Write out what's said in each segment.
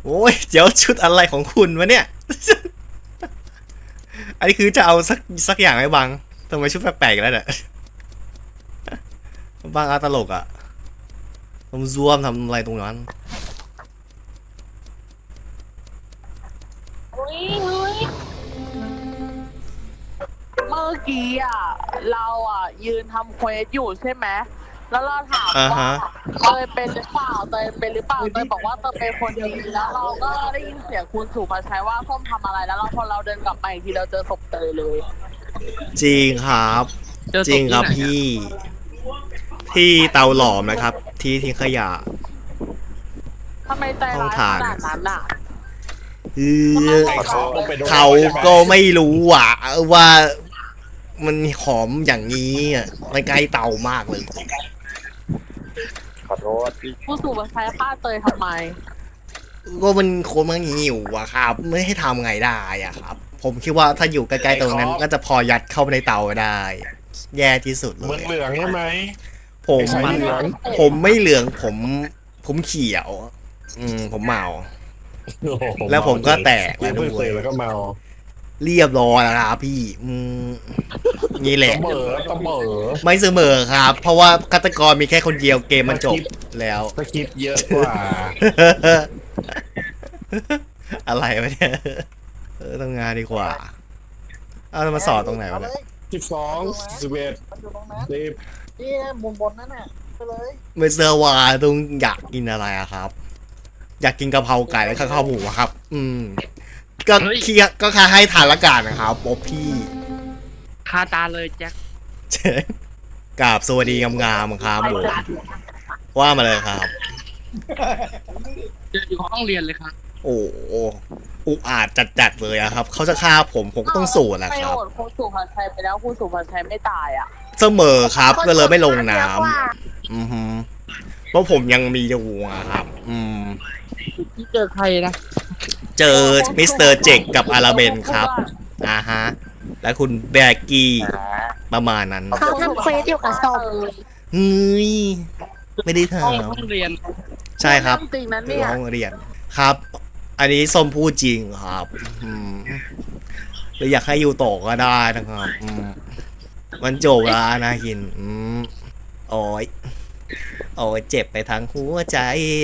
โอ้ยเดี๋ยวชุดอะไรของคุณวะเนี่ย อันนี้คือจะเอาสักอย่างไหมบังทำไมชุดแปลกๆแล้วเนี่ยบังอาตลกอ่ะผมซวมทำอะไรตรงนั้นอุ้ยเมื่อกี้อ่ะเราอ่ะยืนทำเควสอยู่ใช่ไหมแล้วเราถามว่าเตยเป็นหรือเปล่าเตยเป็นหรือเปล่าเตยบอกว่าเตยเป็นคนดีแล้วเราก็ได้ยินเสียงคุณสุภาชัยว่าส้มทำอะไรแล้วเราพอเราเดินกลับมาอีกทีเราเจอศพเตยเลยจริงครับจริงครับพี่ที่เตาหลอมนะครับที่ทิ้งขยะทำไมใจร้ายขนาดนั้นอ่ะเขาก็ไม่รู้ว่ามันหอมอย่างนี้อ่ะมันใกล้เตามากเลยขอโทษคุณสุภาชัยฆ่าเตยทำไมก็มันคนมันหิวอะครับไม่ให้ทำไงได้อะครับ ผมคิดว่าถ้าอยู่ใกล้ๆตรงนั้นก็จะพอยัดเข้าไปในเตาได้ แย่ที่สุดเลมึงยเหลืองใช่ไหมผมไอ้เหลืองผมไม่เหลืองผมเขียว ผมเมาโอ้โหแล้วผมก็แตกแล้วด้เพิ่งวเคยยแล้วก็เมาเรียบร้อยแล้วครับพี่นี่แหละเสมอเสมอไม่เสมอครับ เพราะว่าฆาตกรมีแค่คนเดียวเกมมันจบแล้วสคริปต์เยอะกว่าอะไรวะเนี่ยทำงานดีกว่าเอามาสอนตรงไหนวะเนี่ย 12 11 มันอยู่ตรงนั้น 10 นี่มุมบนนั่นน่ะไปเลยไม่เซอร์ว่าต้องอยากกินอะไรอะครับ อยากกินกะเพราไก่และข้าวหมูอะครับ ก็เคลียร์ก็แค่ให้ทานละกันนะครับป๊อปพี่คาตาเลยแจ็คเชิญกราบสวัสดีงามๆครับผมว่ามาเลยครับเจออยู่ห้องเรียนเลยครับโอ้โหอุกอาจจัดๆเลยอะครับ เขาจะฆ่าผมก็ต้องสู้แหละไม่ครับโหวตคุณสุภาชัยไปแล้วคุณสุภาชัยไม่ตายอ่ะเสมอครับก็เลยไม่ลงน้ำเพราะผมยังมีอยู่อะครับที่เจอใครนะเจอมิสเตอร์เจคกับอาราเบนครับฮะ และคุณแบกกี้ประมาณนั้นเขาทำเควสอยู่กับศพเฮ้ยไม่ได้ถาห้องมห้องเรียนใช่ครับจริงนั้นคือเนี่ยห้องเรียนครับ อันนี้ส้มพูดจริงครับหรืออยากให้อยู่ต่อก็ได้นะครับมันจบแล้วนะหินโอ้ยโอ้ยเจ็บไปทั้งหัวใจ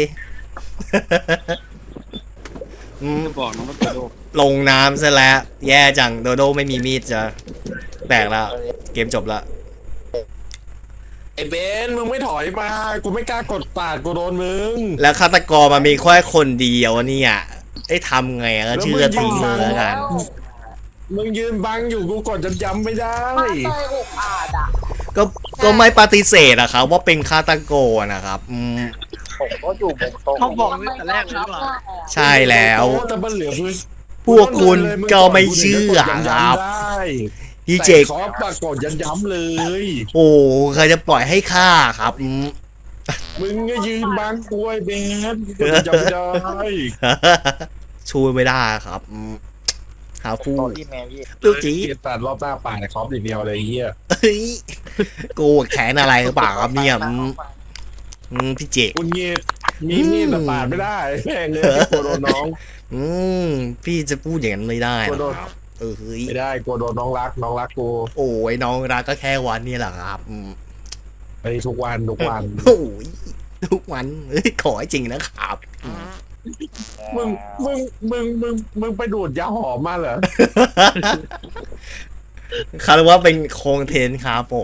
จะบอกน้องว่าโดโดลงน้ำซะแล้ว แย่จังโดโดไม่มีมีดจะแตกแล้ว เกมจบแล้วไอ้เบนมึงไม่ถอยมา กูไม่กล้ากดปาดกูโดนมึงแล้วฆาตกรมันมีแค่คนเดียวเนี่ยได้ทำไงก็เชื่อทิ้งเลยแล้วกันมึงยืนบังอยู่กูกดย้ำๆไม่ได้มาเตยอุกอาจอ่ะก็ไม่ปฏิเสธอะครับว่าเป็นฆาตกรนะครับผมก็อยู่มุมตรงเขาบอกตั้งแต่แรกเลยหรือเปล่าใช่แล้วโอ้แต่มันเหลือคือพวกคุณก็ไม่เชื่อครับ พี่เจคขอปรากฏย้ำๆเลยโอ้ใครจะปล่อยให้ฆ่าครับมึงก็ยืนบังกล้วยเบนกูกดย้ำไม่ได้ช่วยไม่ได้ครับหาฟูตอนที่แมวี่ลูกจีเกียรตัดรอบหน้าป่าในครอปอย่างเดียวเลยไอ้เฮียเฮ้ยกูแขนอะไรหรือเปล่าครับเนี่ยพี่เจคคุณเงียบมีมีดแต่ปาดไม่ได้แม่งเลยกลัวโดนน้องพี่จะพูดอย่างนั้นไม่ได้กลัวนะโดนครับเฮ้ยไม่ได้กลัวโดนน้องรักน้องรักกูโอ้ยน้องรักก็แค่วันนี้แหละครับไปทุกวันทุกวันโอ้ยทุกวันเฮ้ยขอให้จริงนะครับมึงมึงไปดูดยาหอมมาเหรอคาดว่าเป็นโครงเทนครับผม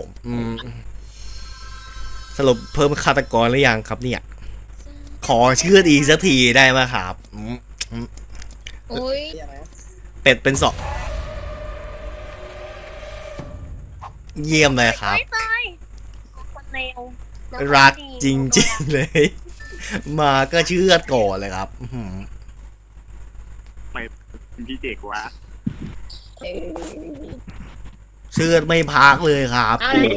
สรุปเพิ่มฆาตกรหรือยังครับเนี่ย ขอชื่ออีกสักทีได้ไหมครับอุ้ยเป็ดเป็นสองเยี่ยมเลยครับไม่ตายคนเลวรักจริงๆเลย มาก็เชื่อดก่อนเลยครับพี่เจกวะเชื่อดไม่พักเลยครับ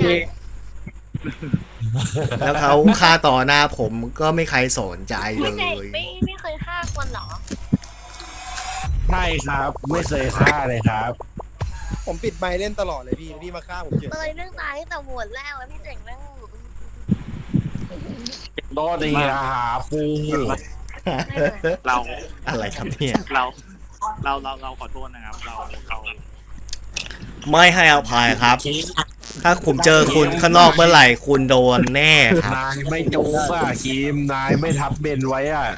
แล้วเขาฆ่าต่อหน้าผมก็ไม่ใครสนใจเลไม่ใช่ยไม่เคยฆ่าคนเหรอใช่ครับ ไม่เคยฆ่าเลยครับผมปิดไมค์เล่นตลอดเลยพี่มาฆ่าผมเฉยเตยเรื่องตายตั้งแต่โหวตแรกแล้วพี่เจ๋งเรื่องโดนดีนะครับฟูเราอะไรครับเนี่ยเราขอโทษนะครับ เราไม่ให้อภัยครับ ถ้าผมเจอคุณข้างนอกเมื่อไหร่คุณโดนแน่ครับนายไม่จูบอ่ะคิมนายไม่ทับเบนไว้อ่ะ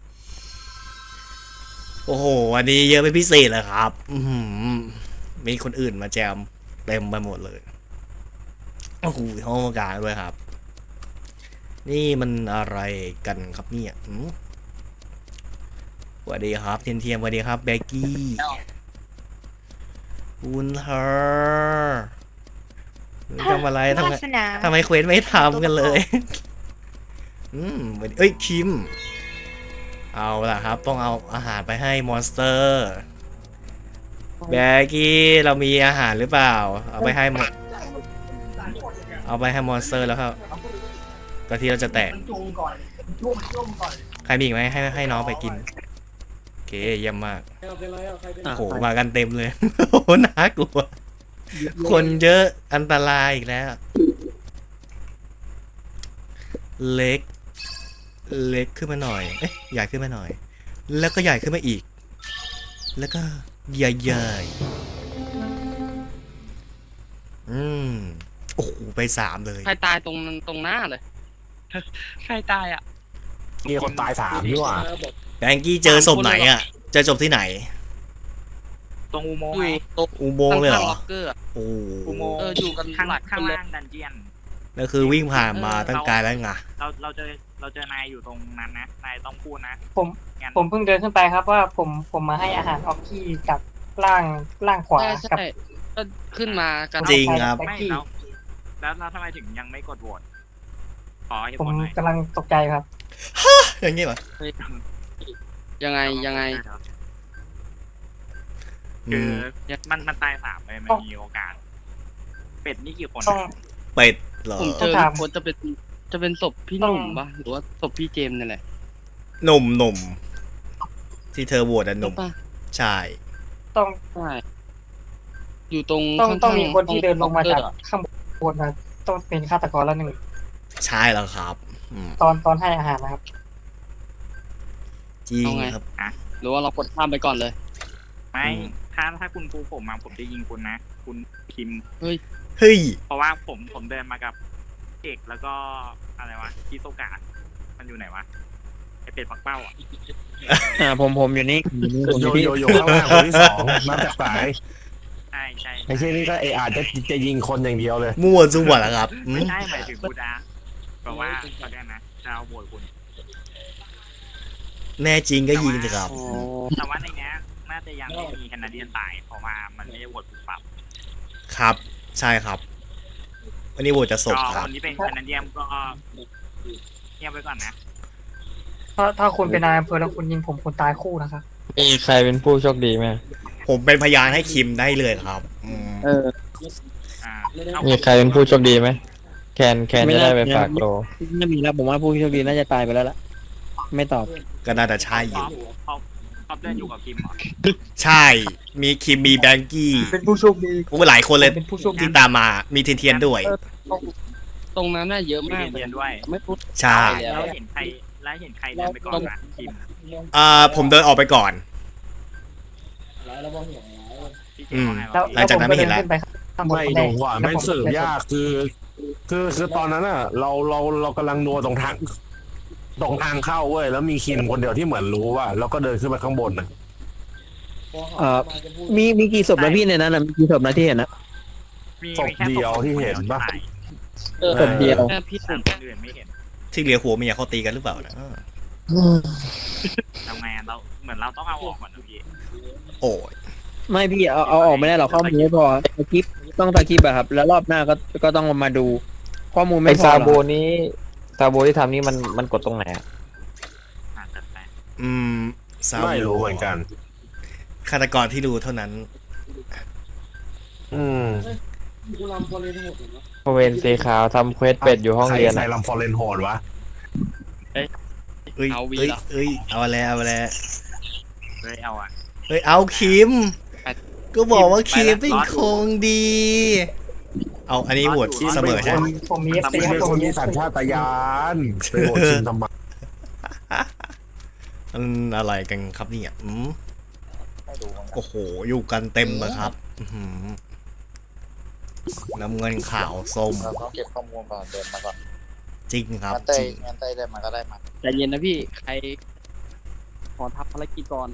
โอ้โหอันนี้เยอะเป็นพิเศษเลยครับ มีคนอื่นมาแจมเต็มไปหมดเลยโอ้โหห้องการด้วยครับ นี่มันอะไรกันครับเนี่ยสวัสดีครับเทียนเทียมสวัสดีครับเบกกี้คุณเธอทำอะไรทำไมเควสไม่ทำกันเลย เอ้ยคิมเอาล่ะครับต้องเอาอาหารไปให้มอนสเตอร์แบกกี้เรามีอาหารหรือเปล่าเอาไปให้หมดเอาไปให้มอนสเตอร์แล้วครับก็ที่เราจะแตกใครมีอีกไหมให้น้องไปกินโอเคเยี่ยมมากโอ้โหมากันเต็มเลย โอ้โหน่ากลัวคนเยอะอันตรายอีกแล้วเล็กขึ้นมาหน่อยเอ๊ะใหญ่ขึ้นมาหน่อยแล้วก็ใหญ่ขึ้นมาอีกแล้วก็ใหญ่โอ้โหไป3เลยใครตายตรงหน้าเลย ใครตายอ่ะมีคนตาย3นี่หว่าแบงกี้เจอศพไหนอ่ะเจอศพที่ไหนตรงอุโมงค์อยู่ไงตรงอุโมงค์เลยเหรอล็อกเกอร์อะโอ้อุโมงค์อยู่กันข้างหลายข้างคนเลยล่างดันเจียนนั่นคือวิ่งผ่านมาตั้งไกลแล้วไงเราเจอนายอยู่ตรงนั้นนะนายต้องพูดนะผมงั้นผมเพิ่งเดินขึ้นไปครับว่าผมมาให้อาหารออกกี้กับล่างขวาใช่กับใช่ก็ขึ้นมากันจริงครับไม่แล้วทำไมถึงยังไม่กดโหวตขอเหตุผมผลหน่อยกำลังตกใจครับอย่างงี้เหรอยังไงคือมันตาย3เลยมันมีโอกาส เป็ดนี่กี่คนต้องเป็ดเหรอผมเจอต้องถามคนจะเป็นศพพี่หนุ่มปะหรือว่าศพพี่เจมส์นี่แหละหนุ่มที่เธอโหวตอ่ะหนุ่มปะใช่ต้องใช่อยู่ตรงต้องมีคนที่เดินลงมาจากล็อกเกอร์อะข้างบนมาต้องเป็นฆาตกรแล้วหนึ่งใช่แล้วครับตอนให้อาหารนะครับจริงครับหรือว่าเรากดข้ามไปก่อนเลยไม่ถ้าคุณปูผมมาผมจะยิงคุณนะ คุณคิมเฮ้ยเพราะว่าผมเดินมากับเอกแล้วก็อะไรวะคิโซกะมันอยู่ไหนวะไอเป็ดปักเป้าอ่ะผมอยู่นี่โยข้างล่างคนที่2นับจากสายใช่ใช่ไอ้เช่นนี้ก็อาจจะยิงคนอย่างเดียวเลยมั่วซั่วแล้วครับไม่ใช่หมายถึงกูดาบอกว่าตอนนี้นะจะเอาโหวตคุณแน่จริงก็ยิงสิครับแต่ว่าในเนี้ยน่าจะยังไม่มีแคนาเดียนตายเพราะว่ามันไม่ได้โหวตปุ๊บปับครับ ใช่ครับ วันนี้โหวตจะศพก็ครับคนที่เป็นแคนาเดียนก็เงียบไว้ก่อนนะถ้าคุณเป็นนายอำเภอแล้วคุณยิงผมคุณตายคู่นะครับมีใครเป็นผู้โชคดีไหมผมเป็นพยานให้คิมได้เลยครับมีใครเป็นผู้โชคดีไหมแคนจะได้ไปฝากโลไม่มีแล้วผมว่าผู้โชคดีน่าจะตายไปแล้วล่ะ ไม่ตอบก็น่าจะใช่อพยู่อเดินอยู่กับคิมเหรอใช่ มีคิมมีแบงกี้เป็นผู้โชคดีโอ้หลายคนเลยเป็นผู้โชคดีที่ตามมา มีเทียนด้วยตรงนั้นน่ะเยอะมากเรียนด้วยไม่พูดใช่แล้วเห็นใครเดินไปก่อนนะคิมผมเดินออกไปก่อนพี่เจมส์ว่าไงแล้ววะหลังจากนั้นไม่เห็นแล้วขึ้ไปข้างบนไม่คนหแรนูกว่าไม่สืบยากคือตอนนั้นอ่ะ เรากำลังนัวตรงทางเข้าเว้ยแล้วมีคิมคนเดียวที่เหมือนรู้ว่าแล้วก็เดินขึ้นไปข้างบนน่ะมีกี่ศพนะพี่ในนั้นนะมีกี่ศพนะที่เห็นนะมีศพแค่เดียวที่เห็นปะศพเดียวแค่พี่หนุ่มคนอื่นไม่เห็นที่เหลือหัวเมียเขาตีกันหรือเปล่านะทำไงเราเหมือนเราต้องเอาออกก่อนนะพี่โอ้ยไม่พี่เอาออกไม่ได้หรอกข้อมูลไม่พอตะคลิปต้องตะคลิปอะครับ แล้วรอบหน้าก็ต้องมาดู ข้อมูลไอไม่พอซาหรอกโบที่ทำนี่มันกดตรงไหนอะจัดไปซาไม่รู้เหมือนกันฆาตกรที่รู้เท่านั้นบริเวณสีขาวทำเควสเป็ดอยู่ห้องเรียนใครอะลำฟอร์เรนโหดวะเอ้ย เอาแล้วเลยเอาอ่ะเฮ้ย เอาคิม ก็บอกว่าคิมเป็นคงดี เอาอันนี้โหวตเสมอใช่ไหมผมมีเอฟซีเป็นผคมนมีมีสัญชาตญาณไปโหวตคิมทำไมมันอะไรกันครับเนี่ยไม่ดูมันโอ้โห อยู่กันเต็มเลยครับอื้อหือน้ำเงินขาวส้มเราต้องเก็บข้อมูลก่อนเดินมาก่อนจริงครับงั้นเต้จริงงั้นเต้ได้มาก็ได้มาใจเย็นนะพี่ ใครขอทำภารกิจก่อน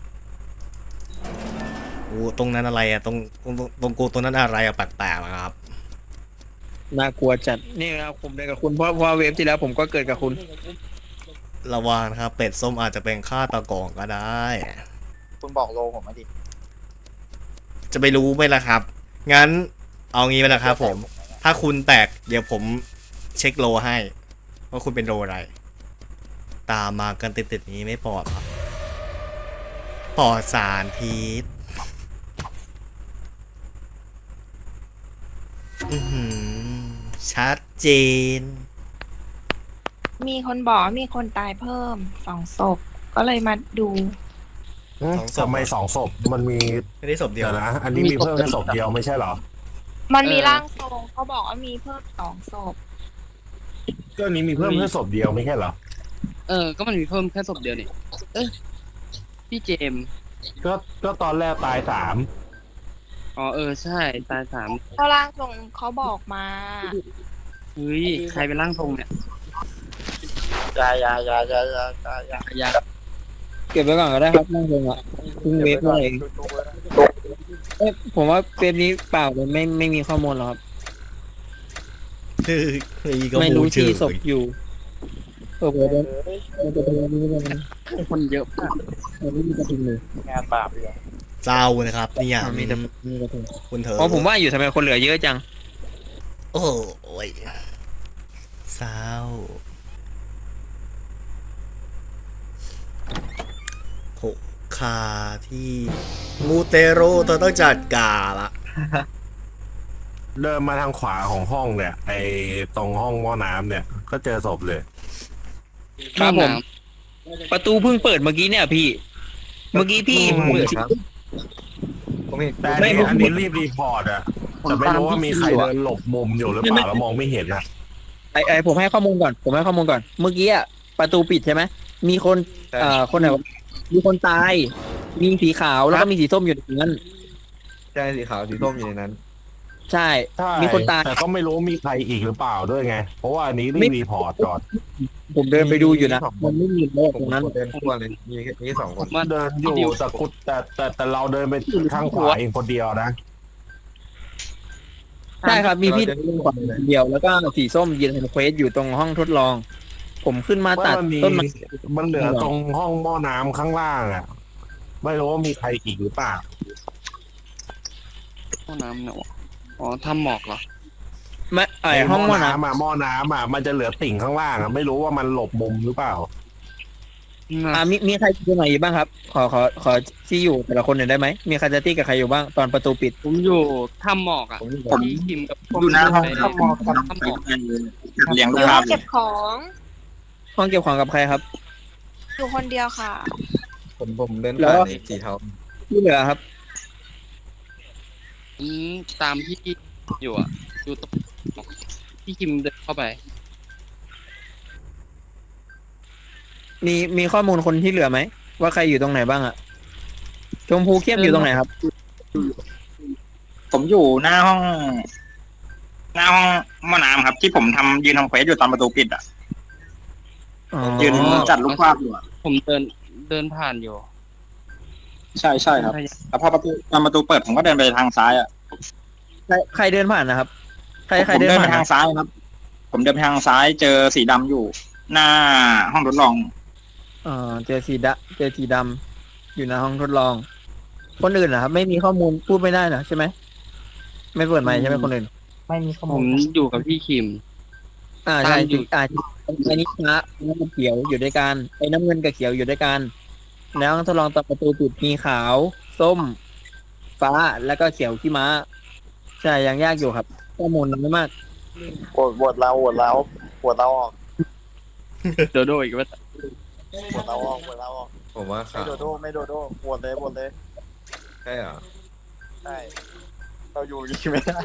โอ้ตรงนั้นอะไรอะตรงกูตรงนั้นอะไรอะแปลกๆนะครับน่ากลัวจัดนี่นะครับผมเดินกับคุณเพราะเวฟที่แล้วผมก็เกิดกับคุณระวังนะครับเป็ดส้มอาจจะเป็นฆาตกรก็ได้คุณบอกโลผมมาดิจะไปรู้ไหมล่ะครับ งั้นเอางี้ไปนะครับผม ถ้าคุณแตกเดี๋ยวผมเช็คโลให้ว่าคุณเป็นโลอะไร ตามมากันติดๆนี้ไม่ปลอดครับปลอดสารพิษอื้อหือชัดเจนมีคนบอกว่ามีคนตายเพิ่ม2 ศพ ก็เลยมาดูสองศพทำไม2 ศพมันมีไม่ได้ศพเดียวเดี๋ยวนะ อันนี้มีเพิ่มแค่ศพเดียวไม่ใช่เหรอมันมีร่างทรงเขาบอกว่ามีเพิ่ม2 ศพก็อันนี้มีเพิ่มแค่ศพเดียวไม่ใช่เหรอก็มันมีเพิ่มแค่ศพเดียวนี่พี่เจมส์ก็ตอนแรกตายอ๋อใช่ตาย3 เขาร่างทรงเขาบอกมาเฮ้ยใครเป็นร่างทรงเนี่ยยายาอยากเก็บไว้ก่อนก็ได้ครับนั่งลงอ่ะเพิ่งเวฟเลยผมว่าเวฟนี้เปล่าเลยไม่มีข้อมูลหรอกครับคือก็ไม่รู้เชื่ที่อศพอยู่โอ้โหเดี๋ยวมันจะเป็นอันนี้มันคนเยอะมากมันไม่มีกระทิงเลยงานบาปเลยเจ้านะครับเนี่ยมีแต่มีกระทิงคุณเถอะอ๋อผมว่าอยู่ทำไมคนเหลือเยอะจังโอ้ยเศร้าโหคาที่มูเตโรเธอต้องจัดการละ 3 เดินมาทางขวาของห้องเนี่ยไอตรงห้องหม้อน้ำเนี่ย ก็เจอศพเลยครับผม ประตูเพิ่งเปิดเมื่อกี้เนี่ยพี่ เมื่อกี้พี่เปิดแต่ไม่อันนี้รีบรีพอร์ตอะแต่ไม่รู้ว่ามีใครเดินหลบมุมอยู่หรือเปล่าแล้วมองไม่เห็นอะไอผมให้ข้อมูลก่อน เมื่อกี้อ่ะประตูปิดใช่ไหมมีคนคนไหนวะมีคนตาย มีสีขาวแล้วก็มีสีส้มอยู่ในนั้นใช่สีขาวสีส้มอยู่ในนั้นใช่ใช่มีคนตายแต่ก็ไม่รู้มีใครอีกหรือเปล่าด้วยไง เพราะว่าอันนี้รีบรีพอร์ตก่อนผมเดินไปดูอยู่นะ มันไม่มีโลกตรงนั้นเดินทั่วเลยมี2 คนเดินอยู่แต่กุดแต่เราเดินไปข้างขวาเองคนเดียวนะใช่ครับ มีพี่คนเดียวแล้วก็สีส้มยืนทำเควสอยู่ตรงห้องทดลอง ผมขึ้นมาตัดมันมีต้นไม้มันเหลือตรงห้องหม้อน้ำข้างล่างอ่ะ ไม่รู้ว่ามีใครอีกหรือเปล่าห้องน้ำเนี่ยวะอ๋อทำหมอกเหรอไม่ห้องหม้อน้หม้อน้ำอ่ะมันจะเหลือติ่งข้างล่างอ่ะไม่รู้ว่ามันหลบมุมหรือเปล่าำมีใครอยู่ไหนบ้างครับ ขอที่อยู่แต่ละคนหน่อยได้ไหมมีใครจะตี้กับใครอยู่บ้างตอนประตูปิดผมอยู่ทำหมอกอ่ะผมพี่คิมกับอยู่หน้าห้องทำหมอกเลี้ยงอลูกยู่ค้าห้องเก็บของห้องเก็บของกับใครครับอยู่คนเดียวค่ะผมเดินแล้วผ่านสีเทาที่เหลือครับตามที่อยู่อ่ะอยู่ตรงพี่คิมเดินเข้าไปมีข้อมูลคนที่เหลือไหมว่าใครอยู่ตรงไหนบ้างอะชมพูเข้มอยู่ตรงไหนครับผมอยู่หน้าห้องหม้อน้ำครับ ที่ผมยืนทำเควสอยู่ตอนประตูปิดอ่ะอ๋อยืนจัดลูกภาพอยู่อะผมเดินผ่านอยู่ใช่ครับแล้วพอตอนประตูเปิดผมก็เดินไปทางซ้ายอ่ะใครเดินผ่านนะครับ ใครผมเดินเดินไปผ่านทางซ้ายครับ ผมเดินไปทางซ้ายเจอสีดำอยู่ หน้าห้องทดลองเจอสีดำอยู่ในห้องทดลอง คนอื่นนะครับ ไม่มีข้อมูลพูดไม่ได้นะใช่ไหมไม่เปิดไมค์ใช่ไหมคนอื่นไม่มีข้อผมูมลอยู่กับพี่คิมใช่ตามอยู่อันนี้ฟ้าน้ำเขียวอยู่ด้วยกันไอ้น้ำเงินกับเขียวอยู่ด้วยกันแล้วทดลองตอนประตูปิดมีขาว ส้ม ฟ้าแล้วก็เขียวขี้ม้า ใช่ยังยากอยู่ครับ ข้อมูลน้อยมากโหวตเราออกโดโดอีกว่าโหวตเราออกผมว่าไม่ขาวโดโดโหวตเลยใช่เหรอใช่เราอยู่ยิงไม่ได้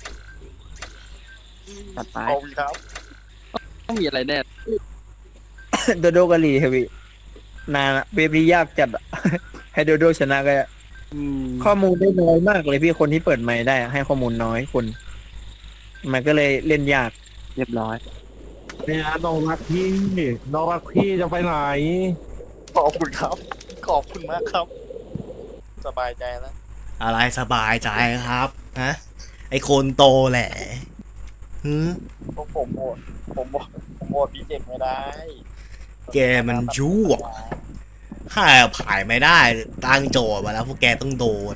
ตัดไปเอาอีกครับต้องมีอะไรแน่โดโดกะหรี่ครับพี่นานอะเว็บนี้ยากจัดอะ ให้โดโดชนะก็ข้อมูลได้น้อยมากเลยพี่คนที่เปิดไมค์ได้อะให้ข้อมูลน้อยคน มันก็เลยเล่นยากเรียบร้อยเนี่ยน้องรักพี่น้องรักพี่จะไปไหนขอบคุณครับ ขอบคุณมากครับ สบายใจแล้วอะไรสบายใจครับฮะไอคนโตแหละหืมพวกผมโหวตพี่เจกไม่ได้แกมันชั่วถ้าผ่ายไม่ได้ตั้งโจทย์มาแล้วพวกแกต้องโดน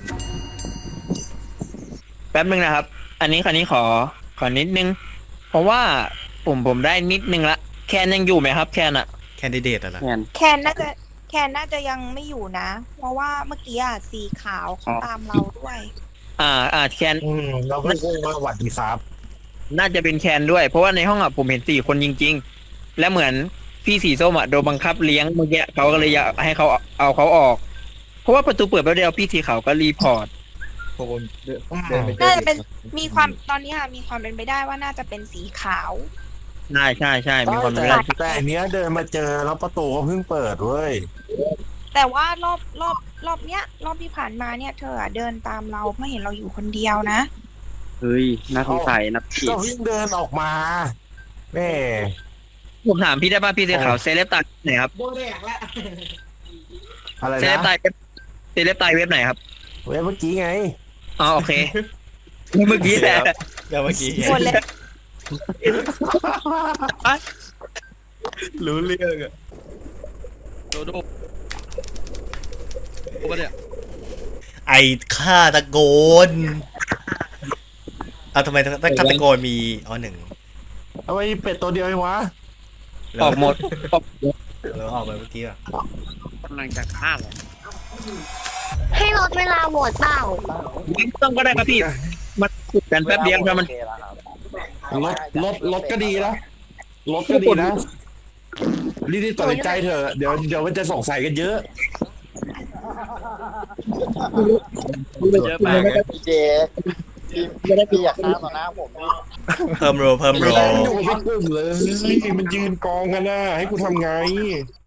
แป๊บนึงนะครับ อันนี้ขอนิดนึง เพราะว่าผมได้นิดนึงละแคนยังอยู่ไหมครับ แคนอะแคนดิเดตอะนะแทนแคนน่าจะยังไม่อยู่นะ เพราะว่าเมื่อกี้อ่ะสีขาวเขาตามเราด้วยแคนเราก็คงมาหวัดดีครับน่าจะเป็นแคนด้วย เพราะว่าในห้องอะผมเห็น4 คนจริง ๆ และเหมือนพี่สีส้มอะโดนบังคับเลี้ยงเมื่อกี้เขาก็เลยอยากให้เขาเอาเขาออก เพราะว่าประตูเปิดแป๊บเดียวพี่สีขาวก็รีพอร์ตน่าจะเป็นมีความตอนนี้ค่ะมีความเป็นไปได้ว่าน่าจะเป็นสีขาวใช่มีความเป็นไปได้แต่อันเนี้ยเดินมาเจอแล้วประตูก็เพิ่งเปิดเว้ยแต่ว่ารอบเนี้ยรอบที่ผ่านมาเนี่ยเธออะเดินตามเราไม่เห็นเราอยู่คนเดียวนะเฮ้ยน่าสงสัยนะพี่ก็เพิ่งเดินออกมาแม่ผมถามพี่ได้ป่ะพี่สีขาวเซเลบตายไหนครับอะไรเซเลบนะตายเซเลบตายเว็บไหนครับเว้ยเมื่อกี้ไงอ๋อโอเค เมื่อกี้แหละเดี๋ยวเมื่อกี้หมดเลยรู้เรื่องอะโดโดโอ้เนี่ยไอฆาตโกนทำไมฆาตโกนมี1 ทำไมเป็ดตัวเดียวเองวะออกหมดแล้วออกไปเมื่อกี้อะกำลังจะฆ่าเหรอให้ลดเวลาโหวตเปล่าต้องก็ได้ครับพี่ มันขุดกันแป๊บเดียวถ้ามันโอเคแล้วครับรถก็ดีนะรถก็ดีนะรีบๆตัดสินใจเถอะเดี๋ยวมันจะสงสัยกันเยอะเยอะมากพี่เจกพี่อยากฆ่าต่อหน้าผมนี่เพิ่มโรไม่ได้อยู่ไม่กลุ่มเลยมันยืนกองกันนะให้กูทำไง